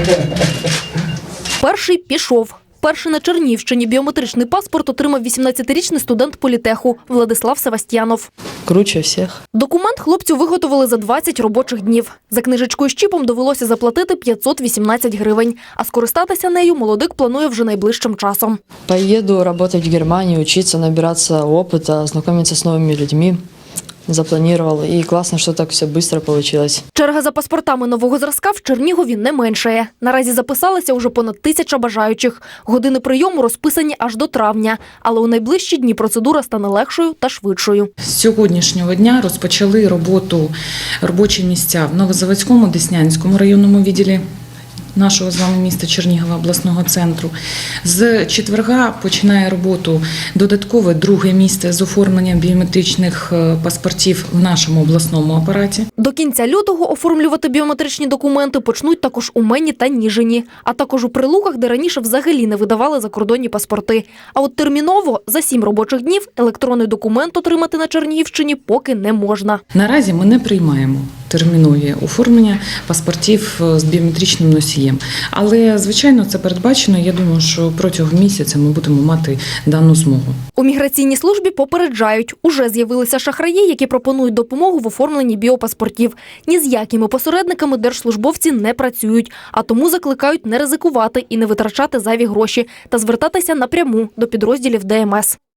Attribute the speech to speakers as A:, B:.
A: Перший пішов. Перший на Чернігівщині біометричний паспорт отримав 18-річний студент політеху Владислав Севастьянов.
B: Круче всіх.
A: Документ хлопцю виготовили за 20 робочих днів. За книжечкою з чіпом довелося заплатити 518 гривень. А скористатися нею молодик планує вже найближчим часом.
B: Поїду працювати в Германію, вчитися, набиратися досвіду, знайомитися з новими людьми. Запланувала. І класно, що так все швидко вийшло.
A: Черга за паспортами нового зразка в Чернігові не меншає. Наразі записалися уже понад 1000 бажаючих. Години прийому розписані аж до травня. Але у найближчі дні процедура стане легшою та швидшою.
C: З сьогоднішнього дня розпочали роботу робочі місця в Новозаводському, Деснянському районному відділі нашого з вами міста Чернігова, обласного центру. З четверга починає роботу додаткове друге місце з оформленням біометричних паспортів в нашому обласному апараті.
A: До кінця лютого оформлювати біометричні документи почнуть також у Мені та Ніжині, а також у Прилуках, де раніше взагалі не видавали закордонні паспорти. А от терміново за 7 робочих днів електронний документ отримати на Чернігівщині поки не можна.
C: Наразі ми не приймаємо термінові оформлення паспортів з біометричним носієм. Але, звичайно, це передбачено. Я думаю, що протягом місяця ми будемо мати дану змогу.
A: У міграційній службі попереджають, уже з'явилися шахраї, які пропонують допомогу в оформленні біопаспортів. Ні з якими посередниками держслужбовці не працюють, а тому закликають не ризикувати і не витрачати зайві гроші та звертатися напряму до підрозділів ДМС.